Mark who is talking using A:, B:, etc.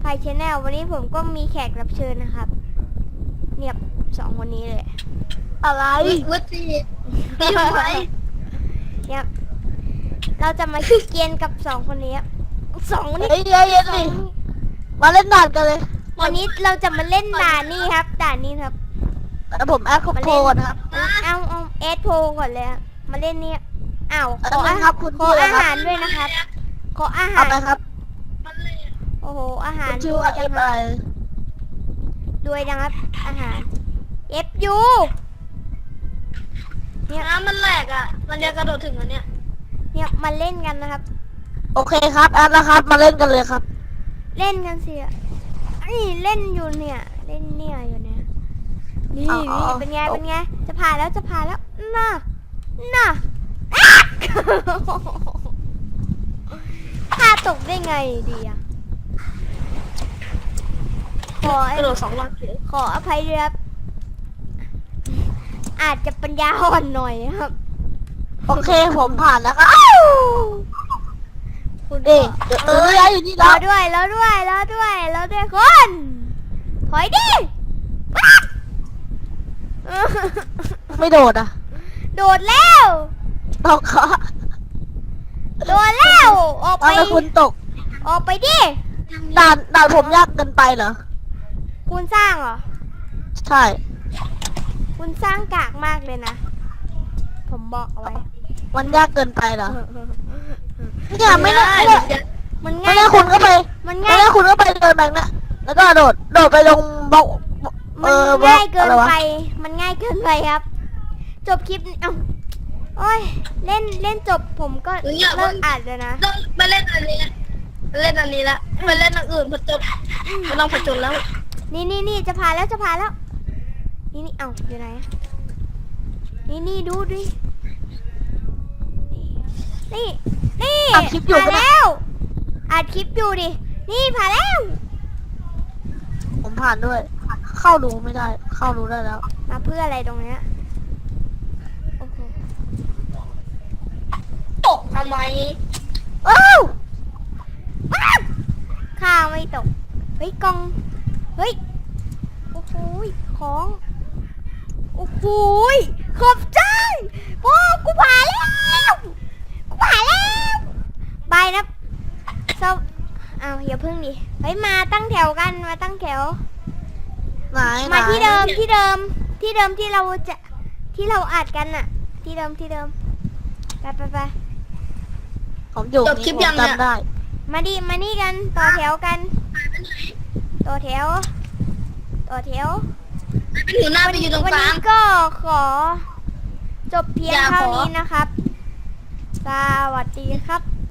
A: ายชแนลวันนี้ผมก็มีแขกรับเชิญนะครับเนี่ย2 คนนี้เลย
B: อะไร
C: วุฒิตีทำไม
A: เนี่ยเราจะมาเกียนกับ2 คนนี้ครับ2 คนนี้
B: เฮ้ยเย็นดิมาเล่นด่านกันเลย
A: วันนี้เราจะมาเล่นด่านนี้ครับด่านนี้ครับ
B: แต่ผมแอดคอมโพก่อนครับ
A: เอาเอสโพก่อนเลยครับมาเล่นเนี่ยอ้าวขอ
B: เอาครับคุณ
A: ขอ
B: ชื่ออะไร
A: อา
B: ครับ
A: หารด้วยนะครับขออาหา
B: เอา
A: ร
B: ไปครับ
A: โอ้โหอาหาร
B: คุณชื่อว่าเอ
A: จัง
B: ฟ
A: ค
B: อะ
A: รับ
B: ไร
A: ด้วยนะครับอาหาร FU เนี่ย
C: น้ำมันแหลกอ่ะ มันจะกระโดดถึงอันเนี้ย
A: เนี่ยมาเล่นกันนะครับ
B: โอเคครับแอดแล้วครับมาเล่นกันเลยครับ
A: เล่นกันสินี่เล่นอยู่เนี่ยเล่นเนี่ยอยู่เนี่ยนี่
B: อ๋อ
A: นี่เป็นไงเป็นไงจะผ่านแล้วจะผ่านแล้วน่ะน่ะ ถ้าตกได้ไงดีอะขอก
C: ระโดด2 รอบเฉย
A: ขออภัยด้วยครับอาจจะปัญญาอ่อนหน่อยครับ
B: โอเคผมผ่านแล้วครับ
A: คุณ
B: เอ๊ะเดี๋ยวย้ายอยู่นี่
A: ร
B: แล้
A: อ
B: ว
A: ด้วยรอด้วยรอด้วยรอด้วยคนถอยดิปั๊บ
B: ไม่โดดอ่ะ
A: โดดแล้ว
B: ตกค่ะ
A: โดดแล้วออกไป
B: เอาแล้วคุณตก
A: ออกไปดิ
B: ด่านผมยากเกินไปเหรอ
A: คุณสร้างเหรอ
B: ใช่
A: คุณสร้างกากมากเลยนะ ผมบอกเอาไว้
B: มันยากเกินไปเหรอเนี่ยไม่น่า
A: มัน
B: ไม่
A: ง่าย
B: น่าคุณก็ไป
A: มัน
B: ไม่
A: ง่าย
B: น่าคุณก็ไปเดินแบบนั้นแล้วก็โดดไปลงบล็อก
A: มัน
B: บล็อ
A: ง่ายเกิน
B: อะไรวะ
A: ไป มันง่ายเกินไปครับ จบคลิปเอ้าโอ้ยเล่นจบผมก็เลิกอัดเลยนะ
C: ต้องมาเล่นอันนี้เล่นอันนี้ละมาเล่นอันอื่นผจญไม่ต้องผจญแล้ว
A: นี่จะผ่านแล้วจะผ่านแล้ว นี่เอ้าอยู่ไหนนี่ดูดินี่
B: อัดคลิปอยู่
A: ผ่าน
B: ปะเนี่ย
A: แล้วอัดคลิปอยู่ดินี่ผ่านแล้ว
B: ผมผ่านด้วย เข้ารู้ไม่ได้ เข้ารู้ได้แล้ว
A: มาเพื่ออะไรตรงเนี้ยโอ้โห
C: ตกทำไม
B: อ้าว
A: ข้าวไม่ตกเฮ้ยกล่องเฮ้ยโอ้โหของโอ้โหขอบใจโอ้กูผ่านแล้วบายนะเศร้าอ้าวอย่าพึ่งดิเฮ้ยมาตั้งแถวกันมาตั้งแถว
B: ไหน
A: มาที่
B: ไหน
A: เดิมที่เราจะที่เราอัดกันน่ะ ที่เดิมไป
B: ผมอยู่
C: จบคลิปยังเนี่ย
B: จำได้
A: มานี่กันต่อแถวกันต่อแถว
C: หนูหน้าไปอยู่ตรง
A: วัน
C: กลา
A: นี้
C: ง
A: ก็ขอจบเพียง
C: อย่า
A: เท่า
C: ขอ
A: นี้นะครับ สวัสดีครับ